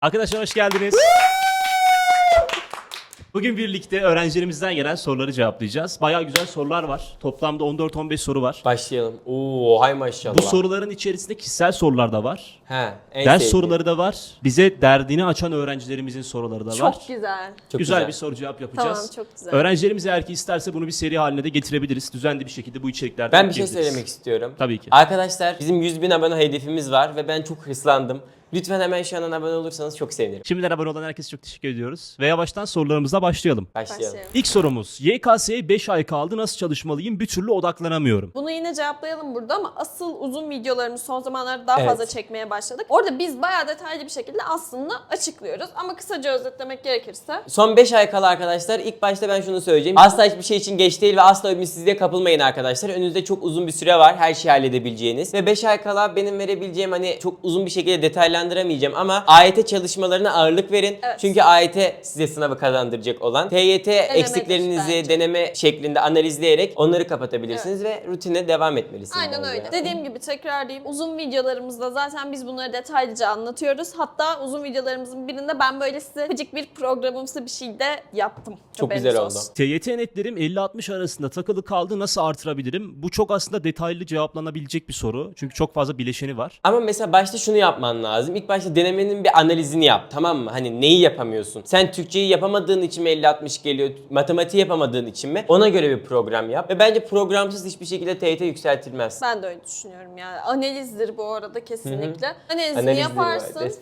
Arkadaşlar hoş geldiniz. Bugün birlikte öğrencilerimizden gelen soruları cevaplayacağız. Bayağı güzel sorular var. Toplamda 14-15 soru var. Başlayalım. Oo, hay maşallah. Bu soruların içerisinde kişisel sorular da var. He, en Ders sevdiğim. soruları da var. Bize derdini açan öğrencilerimizin soruları da var. Çok güzel. Çok güzel bir soru cevap yapacağız. Tamam, çok güzel. Öğrencilerimiz eğer ki isterse bunu bir seri haline de getirebiliriz. Düzenli bir şekilde bu içeriklerden Ben bir şey ekleyebiliriz. söylemek istiyorum. Tabii ki. Arkadaşlar bizim 100.000 abone hedefimiz var ve ben çok hırslandım. Lütfen hemen şu an abone olursanız çok sevinirim. Şimdiden abone olan herkese çok teşekkür ediyoruz. Ve yavaştan sorularımıza başlayalım. Başlayalım. İlk sorumuz. YKS'ye 5 ay kaldı. Nasıl çalışmalıyım? Bir türlü odaklanamıyorum. Bunu yine cevaplayalım burada ama asıl uzun videolarımızı son zamanlarda daha Evet. fazla çekmeye başladık. Orada biz bayağı detaylı bir şekilde aslında açıklıyoruz. Ama kısaca özetlemek gerekirse Son 5 ay kala arkadaşlar. İlk başta ben şunu söyleyeceğim. Asla hiçbir şey için geç değil ve asla ümitsizliğe kapılmayın arkadaşlar. Önünüzde çok uzun bir süre var her şeyi halledebileceğiniz. Ve 5 ay kala benim verebileceğim hani çok uzun bir şekilde detaylandıramayacağım ama AYT çalışmalarına ağırlık verin. Evet. Çünkü AYT size sınavı kazandıracak olan. TYT eksiklerinizi bence. deneme şeklinde analizleyerek onları kapatabilirsiniz ve rutine devam etmelisiniz. aynen bence. öyle. Dediğim gibi tekrarlayayım. Uzun videolarımızda zaten biz bunları detaylıca anlatıyoruz. Hatta uzun videolarımızın birinde ben böyle size küçük bir programımsı bir şey de yaptım. Çok Haberiniz güzel oldu. olsun. TYT netlerim 50-60 arasında takılı kaldı. Nasıl artırabilirim? Bu çok aslında detaylı cevaplanabilecek bir soru. Çünkü çok fazla bileşeni var. Ama mesela başta şunu yapman lazım. İlk başta denemenin bir analizini yap, tamam mı? Hani neyi yapamıyorsun? Sen Türkçeyi yapamadığın için mi 50-60 geliyor? Matematiği yapamadığın için mi? Ona göre bir program yap. Ve bence programsız hiçbir şekilde TYT yükseltilmez. Ben de öyle düşünüyorum yani. Analizdir bu arada kesinlikle. Analizini Analizdir yaparsın. var.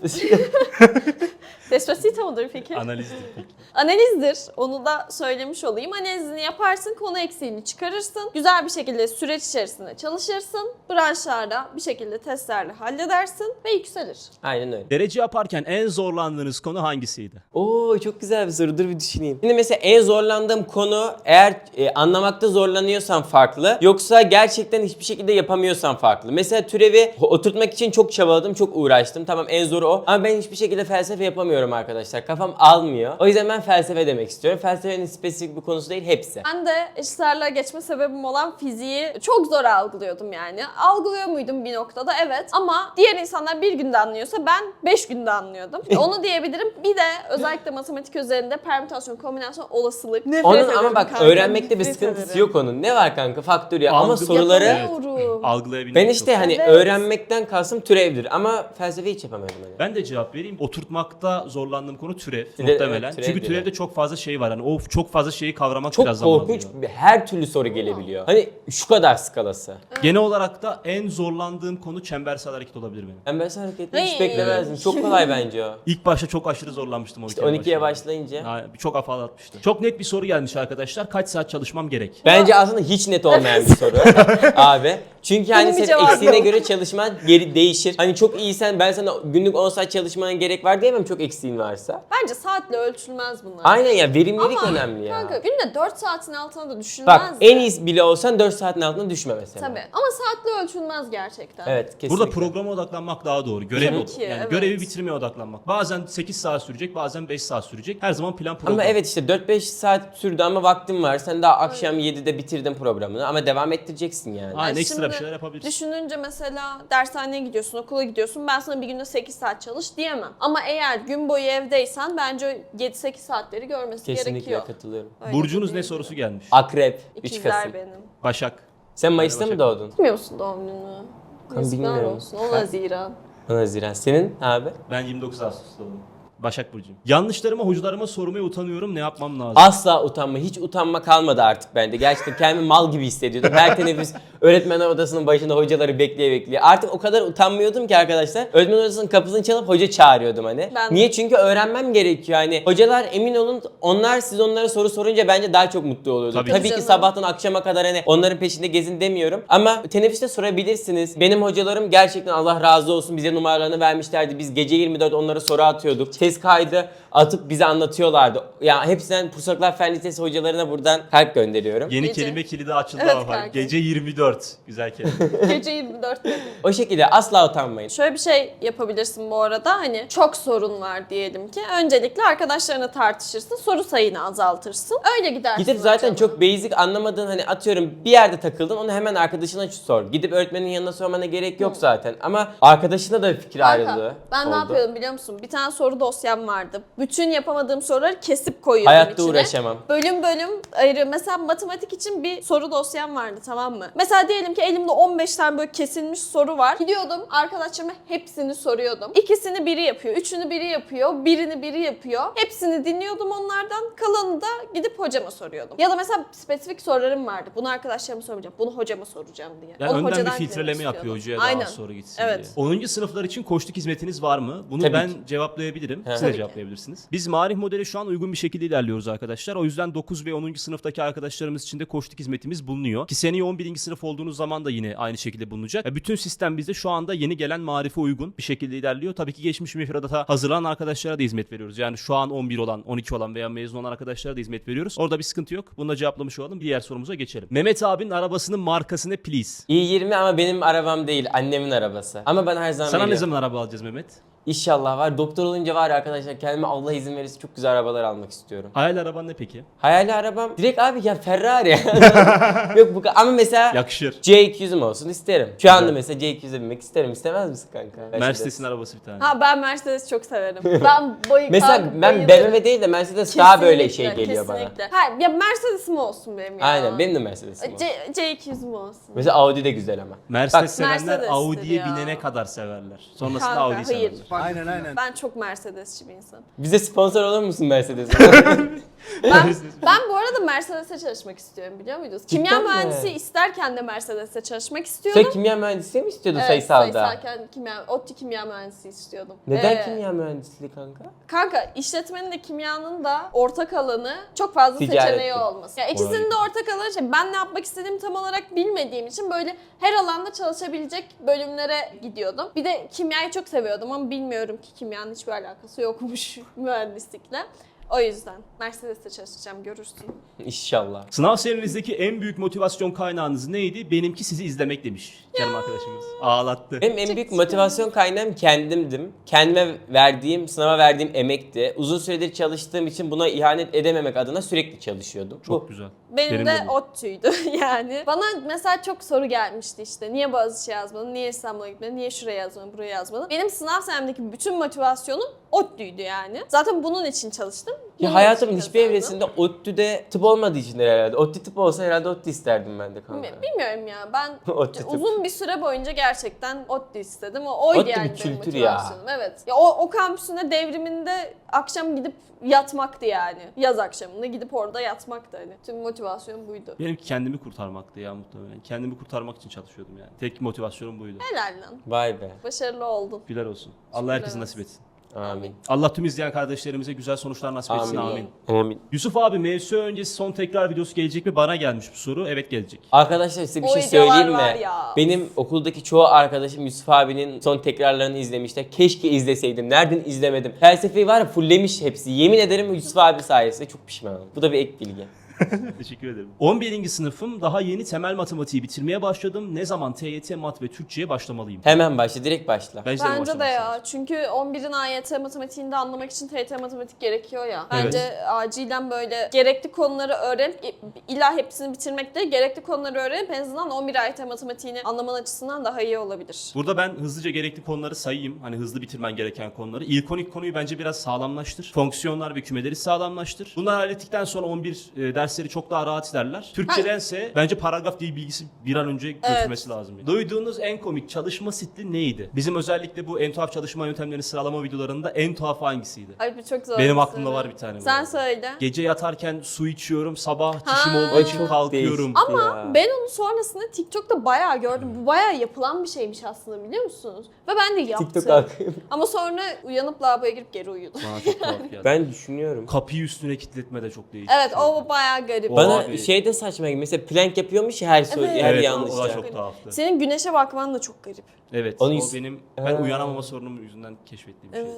Despacito mudur peki? Analizdir peki. Analizdir. Onu da söylemiş olayım. Analizini yaparsın, konu eksiğini çıkarırsın. Güzel bir şekilde süreç içerisinde çalışırsın. Branşlarda bir şekilde testlerle halledersin ve yükselir. Aynen öyle. Derece yaparken en zorlandığınız konu hangisiydi? Oo, çok güzel bir soru. Dur bir düşüneyim. Şimdi mesela en zorlandığım konu eğer anlamakta zorlanıyorsan farklı. Yoksa gerçekten hiçbir şekilde yapamıyorsan farklı. Mesela türevi oturtmak için çok çabaladım, çok uğraştım. Tamam, en zoru o. Ama ben hiçbir şekilde felsefe yapamıyorum arkadaşlar. Kafam almıyor. O yüzden ben felsefe demek istiyorum. Felsefenin spesifik bir konusu değil, hepsi. Ben de eşitlerle geçme sebebim olan fiziği çok zor algılıyordum yani. Algılıyor muydum bir noktada? Evet. Ama diğer insanlar bir günde anlıyorsa ben 5 günde anlıyordum. Onu diyebilirim. Bir de özellikle matematik üzerinde permütasyon, kombinasyon, olasılık. Nefret Onun ederim ama bak kanka, öğrenmekte bir nefret sıkıntısı ederim. yok onun. Ne var kanka? Faktöriyel. Ama Algı- soruları... Yapamıyorum. Algılayabilmek Ben çok işte zor. hani Evet. öğrenmekten kastım türevdir ama felsefeyi hiç yapamıyorum hani. Ben de cevap vereyim. Oturtmakta zorlandığım konu türev Türev, muhtemelen. evet, türev Çünkü diyor. türevde çok fazla şey var. Hani o çok fazla şeyi kavramak Çok biraz zaman korkunç, alıyor. her türlü soru gelebiliyor. Hani şu kadar skalası. Genel olarak da en zorlandığım konu çembersel hareket olabilir benim. Ben böyle hareketleri hiç Ay. beklemezdim. Çok kolay bence o. İlk başta çok aşırı zorlanmıştım o İşte ülkeye 12'ye başlayınca. Ha, çok afalatmıştı. Çok net bir soru gelmiş arkadaşlar. Kaç saat çalışmam gerek? Bence aslında hiç net olmayan bir soru abi. Çünkü hani Bunun bir senin cevabı eksiğine yok. göre çalışman geri değişir. Hani çok iyisen ben sana günlük 10 saat çalışmana gerek var diyemem çok eksiğin varsa. Bence saatle ölçülmez bunlar. Aynen ya, verimlilik Ama önemli ya. kanka günde 4 saatin altına da düşünmez. Bak en iyisi bile olsan 4 saatin altına düşme mesela. Tabii. Ama saatle ölçülmez gerçekten. Evet, kesinlikle. Burada programa odaklanmak daha doğru. Görev Tabii ki, yani evet. görevi bitirmeye odaklanmak. Bazen 8 saat sürecek, bazen 5 saat sürecek. Her zaman plan program. Ama evet işte 4-5 saat sürdü ama vaktin var. Sen daha akşam 7'de bitirdin programını ama devam ettireceksin yani. Aynen, Yani ekstra bir şimdi şeyler yapabilirsin. Düşününce mesela dershaneye gidiyorsun, okula gidiyorsun. Ben sana bir günde 8 saat çalış diyemem. Ama eğer gün boyu evdeysen bence 7-8 saatleri görmesi Kesinlikle gerekiyor. katılıyorum. Öyle Burcunuz ne değil. sorusu gelmiş? Akrep, 3 İkizler Kasım. benim. Başak. Sen Mayıs'ta Başak. mı doğdun? Bilmiyor musun doğum gününü? Yazıklar bilmiyorum. olsun. 10 Haziran. 10 Haziran. Senin abi? Ben 29 Ağustos'ta doğdum. Başak Burcu'yum. Yanlışlarıma, hocalarıma sormaya utanıyorum. Ne yapmam lazım? Asla utanma. Hiç utanma kalmadı artık bende. Gerçekten kendimi mal gibi hissediyordum. Her teneffüs öğretmenler odasının başında hocaları bekleye. Artık o kadar utanmıyordum ki arkadaşlar. Öğretmen odasının kapısını çalıp hoca çağırıyordum hani. Ben de. Niye? Çünkü öğrenmem gerekiyor. Hani hocalar emin olun siz onlara soru sorunca bence daha çok mutlu oluyordu. Tabii. Tabii ki Canım. sabahtan akşama kadar hani onların peşinde gezin demiyorum. Ama teneffüste sorabilirsiniz. Benim hocalarım gerçekten Allah razı olsun bize numaralarını vermişlerdi. Biz gece 24 onlara soru atıyorduk. Test kaydı atıp bize anlatıyorlardı. Ya hepsinden Pusaklar Fen Lisesi hocalarına buradan kalp gönderiyorum. Yeni Gece. kelime kilidi açıldı Evet ama kanka. gece 24. 24. Güzel kelime. Gece 24 dedim. O şekilde asla utanmayın. Şöyle bir şey yapabilirsin bu arada. Hani çok sorun var diyelim ki. Öncelikle arkadaşlarına tartışırsın. Soru sayını azaltırsın. Öyle gidersin. Gidip zaten hocam. çok basic anlamadığın hani atıyorum bir yerde takıldın onu hemen arkadaşına sor. Gidip öğretmenin yanına sormana gerek yok zaten. Ama arkadaşına da fikir Kanka, ayrılığı ben oldu. ne yapıyordum biliyor musun? Bir tane soru dosyam vardı. Bütün yapamadığım soruları kesip koyuyordum Hayatta içine. uğraşamam. Bölüm bölüm ayrı. Mesela matematik için bir soru dosyam vardı, tamam mı? Mesela diyelim ki elimde 15 tane böyle kesilmiş soru var. Gidiyordum arkadaşlarıma hepsini soruyordum. İkisini biri yapıyor, üçünü biri yapıyor, birini biri yapıyor. Hepsini dinliyordum onlardan. Kalanını da gidip hocama soruyordum. Ya da mesela spesifik sorularım vardı. Bunu arkadaşlarıma sormayacağım. Bunu hocama soracağım diye. Yani Onu önden bir hocadan filtreleme dinlemek yapıyor istiyordum. hocaya Aynen. daha soru gitsin Evet. diye. 10. sınıflar için koçluk hizmetiniz var mı? Bunu Tabii ben ki. cevaplayabilirim. Siz Tabii de ki. cevaplayabilirsiniz. Biz Marif modeli şu an uygun bir şekilde ilerliyoruz arkadaşlar. O yüzden 9 ve 10. sınıftaki arkadaşlarımız için de koçluk hizmetimiz bulunuyor. Ki seneye 11. sınıf olduğunuz zaman da yine aynı şekilde bulunacak. Bütün sistem bizde şu anda yeni gelen Marif'e uygun bir şekilde ilerliyor. Tabii ki geçmiş müfredata hazırlanan arkadaşlara da hizmet veriyoruz. Yani şu an 11 olan, 12 olan veya mezun olan arkadaşlara da hizmet veriyoruz. Orada bir sıkıntı yok. Bunu da cevaplamış olalım. Diğer sorumuza geçelim. Mehmet abinin arabasının markası ne please? i20 ama benim arabam değil, annemin arabası. Ama ben her zaman Sana ne veriyorum. zaman araba alacağız Mehmet? İnşallah var. Doktor olunca var ya arkadaşlar, kendime Allah izin verirse çok güzel arabalar almak istiyorum. Hayal araban ne peki? Hayali arabam direkt abi ya Ferrari. Yok bu ama mesela Yakışır. C200'üm olsun isterim. Şu anda mesela C200'e binmek isterim. İstemez misin kanka? Mercedes'in arabası bir tane. Ha, ben Mercedes çok severim. Ben Mesela ben BMW değil de Mercedes daha böyle şey Kesinlikle, geliyor bana. kesinlikle. Ha, ya Mercedes'im olsun benim ya. Aynen benim de Mercedes'im olsun. C200'üm olsun. Mesela Audi de güzel ama. Mercedes Bak, sevenler Mercedes'tir Audi'ye ya. binene kadar severler. Sonrasında Kanka, Audi'yi hayır. severler. Ben çok Mercedesçi bir insanım. Bize sponsor olur musun Mercedes'e? Ben bu arada Mercedes'e çalışmak istiyorum, biliyor muydunuz? Kimya Cidden mi? mühendisi isterken de Mercedes'e çalışmak istiyordum. Sen kimya mühendisliği mi istiyordun Evet, sayısalda? sayısalken ODTÜ kimya mühendisi istiyordum. Neden kimya mühendisliği kanka? Kanka, işletmenin de kimyanın da ortak alanı çok fazla Ticaretti. seçeneği olması. Ya ikisinin de ortak alanı şey. Ben ne yapmak istediğimi tam olarak bilmediğim için böyle her alanda çalışabilecek bölümlere gidiyordum. Bir de kimyayı çok seviyordum ama bilmiyorum ki kimyanın hiçbir alakası yokmuş mühendislikle. O yüzden Mercedes'te çalışacağım, görürsün. İnşallah. Sınav serinizdeki en büyük motivasyon kaynağınız neydi? Benimki sizi izlemek demiş canım arkadaşımız. Ağlattı. Benim en büyük motivasyon kaynağım kendimdim. Kendime verdiğim, sınava verdiğim emekti. Uzun süredir çalıştığım için buna ihanet edememek adına sürekli çalışıyordum. Çok güzel. Benim de bu. ODTÜ'ydü yani. Bana mesela çok soru gelmişti işte. Niye Boğaziçi yazmadın? Niye İstanbul'a gitmedin? Niye şuraya yazmadın? Buraya yazmadın? Benim sınav senemdeki bütün motivasyonum ODTÜ'ydü yani. Zaten bunun için çalıştım. Ya bunun hayatımın için hiçbir kazandım. evresinde ODTÜ'de tıp olmadığı için herhalde. ODTÜ tıp olsa herhalde ODTÜ isterdim ben de kanka. Bilmiyorum ya. Ben ODTÜ tıp. uzun bir süre boyunca gerçekten ODTÜ istedim. Oydu ODTÜ yani bir benim kültür ya. motivasyonum. Evet. Ya o kampüsünde devriminde akşam gidip yatmaktı yani. Yaz akşamında gidip orada yatmaktı hani. Tüm motivasyon buydu. Benimki kendimi kurtarmaktı ya muhtemelen. Kendimi kurtarmak için çalışıyordum yani. Tek motivasyonum buydu. Helal lan. Vay be. Başarılı oldun. Güler olsun. Allah herkese nasip etsin. Amin. Allah tüm izleyen kardeşlerimize güzel sonuçlar nasip etsin. Amin. Amin. Yusuf abi MSU öncesi son tekrar videosu gelecek mi? Bana gelmiş bu soru. Evet, gelecek. Arkadaşlar size bir O şey videolar söyleyeyim var mi? ya. Benim okuldaki çoğu arkadaşım Yusuf abinin son tekrarlarını izlemişler. Keşke izleseydim. Nereden izlemedim? Felsefeyi var ya fullemiş hepsi. Yemin ederim Yusuf abi sayesinde çok pişmanım. Bu da bir ek bilgi. Teşekkür ederim. 11. sınıfım. Daha yeni temel matematiği bitirmeye başladım. Ne zaman TYT, mat ve Türkçe'ye başlamalıyım? Hemen başla, direkt başla. Bence Bence de başlamak ya. lazım. Çünkü 11'in AYT matematiğini de anlamak için TYT matematik gerekiyor ya. Evet. Bence acilen böyle gerekli konuları öğrenip illa hepsini bitirmek değil, gerekli konuları öğrenip en azından 11 AYT matematiğini anlaman açısından daha iyi olabilir. Burada ben hızlıca gerekli konuları sayayım. Hani hızlı bitirmen gereken konuları. İlkonik konuyu bence biraz sağlamlaştır. Fonksiyonlar ve kümeleri sağlamlaştır. Bunları hallettikten sonra 11 dersleri çok daha rahat ilerler. Türkçedense bence paragraf dil bilgisi bir an önce götürmesi lazım. Duyduğunuz en komik çalışma stili neydi? Bizim özellikle bu en tuhaf çalışma yöntemlerini sıralama videolarında en tuhaf hangisiydi? Ay bu çok zor. Benim bir aklımda soru. var bir tane bu Sen arada. söyle. Gece yatarken su içiyorum, sabah Ha. çişim olduğu Ay, için çok kalkıyorum. değişik. Ama Ya. ben onu sonrasında TikTok'ta bayağı gördüm. Bu bayağı yapılan bir şeymiş aslında, biliyor musunuz? Ve ben de yaptım. TikTok kalkayım. Ama sonra uyanıp lavaboya girip geri uyudum. Bana çok tuhaf geldi. Ben düşünüyorum. Kapıyı üstüne kilitletme de çok değişik. Evet, o bayağı garip. O- Bana Abi. şey de saçma gibi. Mesela plank yapıyormuş ya her soru, Evet. her Evet, yanlış. o da ya. çok tuhaftı. Senin güneşe bakman da çok garip. Evet, Onu o yüz- benim Ha. uyanamama sorunum yüzünden keşfettiğim bir şey. Evet.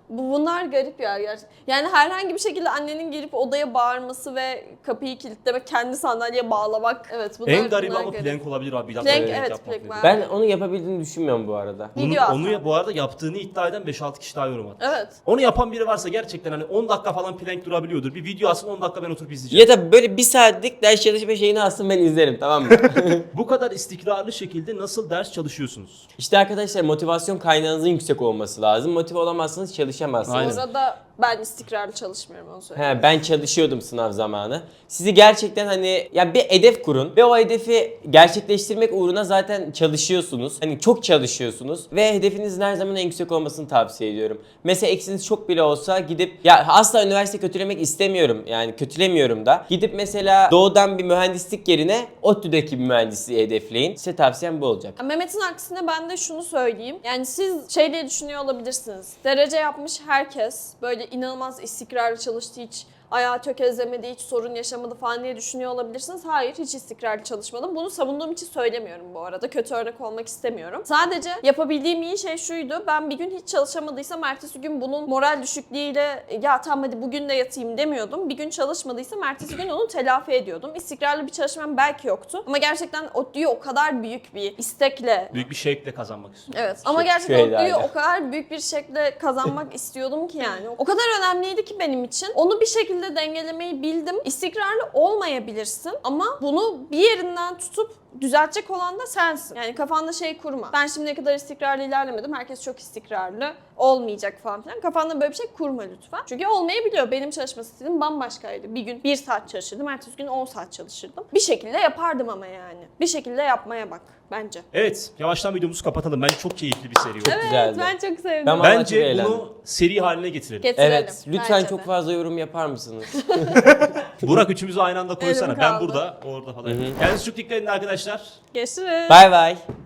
Bunlar garip ya gerçekten. Yani herhangi bir şekilde annenin gelip odaya bağırması ve kapıyı kilitlemek, kendi sandalyeye bağlamak. Evet bunlar En garibi bunlar ama garip. plank olabilir abi. Bir dakika Plank, plank evet, yapmak plank lazım. var. Ben onu yapabildiğini düşünmüyorum bu arada. Video at Onu abi. bu arada yaptığını iddia eden 5-6 kişi daha yorum attı. Evet. Onu yapan biri varsa gerçekten hani 10 dakika falan plank durabiliyordur. Bir video atsın 10 dakika ben oturup izleyeceğim. Ya da böyle bir saatlik ders çalışma şeyini alsın ben izlerim, tamam mı? Bu kadar istikrarlı şekilde nasıl ders çalışıyorsunuz? İşte arkadaşlar motivasyon kaynağınızın yüksek olması lazım. Motive olamazsanız çalışamazsınız. Aynen. Orada ben istikrarlı çalışmıyorum onu söyleyeyim. Ben çalışıyordum sınav zamanı. Sizi gerçekten hani ya bir hedef kurun ve o hedefi gerçekleştirmek uğruna zaten çalışıyorsunuz. Hani çok çalışıyorsunuz ve hedefinizin her zaman en yüksek olmasını tavsiye ediyorum. Mesela eksiniz çok bile olsa gidip ya asla üniversite kötülemek istemiyorum. Yani kötülemiyorum da. Gidip mesela doğudan bir mühendislik yerine ODTÜ'deki bir mühendisliği hedefleyin. Size tavsiyem bu olacak. Mehmet'in aksine ben de şunu söyleyeyim. Yani siz şey diye düşünüyor olabilirsiniz. Derece yapmış herkes böyle inanılmaz istikrarlı çalıştı, hiç ayağı tökezlemedi, hiç sorun yaşamadı falan diye düşünüyor olabilirsiniz. Hayır, hiç istikrarlı çalışmadım. Bunu savunduğum için söylemiyorum bu arada. Kötü örnek olmak istemiyorum. Sadece yapabildiğim iyi şey şuydu. Ben bir gün hiç çalışamadıysam ertesi gün bunun moral düşüklüğüyle ya tamam hadi bugün de yatayım demiyordum. Bir gün çalışmadıysam ertesi gün onu telafi ediyordum. İstikrarlı bir çalışmam belki yoktu. Ama gerçekten ODTÜ'yü o kadar büyük bir istekle Büyük bir şevkle kazanmak istiyorum. Evet ama Teşekkür gerçekten ODTÜ'yü ederim. o kadar büyük bir şekilde kazanmak istiyordum ki yani. O kadar önemliydi ki benim için. Onu bir şekilde dengelemeyi bildim. İstikrarlı olmayabilirsin ama bunu bir yerinden tutup düzeltecek olan da sensin. Yani kafanda şey kurma. Ben şimdiye kadar istikrarlı ilerlemedim. Herkes çok istikrarlı. Olmayacak falan filan. Kafanda böyle bir şey kurma lütfen. Çünkü olmayabiliyor. Benim çalışma stilim bambaşkaydı. Bir gün 1 saat çalışırdım. Ertesi gün 10 saat çalışırdım. Bir şekilde yapardım ama yani. Bir şekilde yapmaya bak bence. Evet, yavaştan videomuzu kapatalım. Bence çok keyifli bir seri oldu. Evet güzeldi. ben çok sevdim. Ben vallahi çok Bence eğlendim. bunu seri haline getirelim. Getirelim. Evet, lütfen bence çok de. fazla yorum yapar mısınız? Burak üçümüzü aynı anda koysana. Elim Ben kaldı. burada, orada falan. Kendinize çok dikkat edin arkadaşlar. Görüşürüz. Bay bay.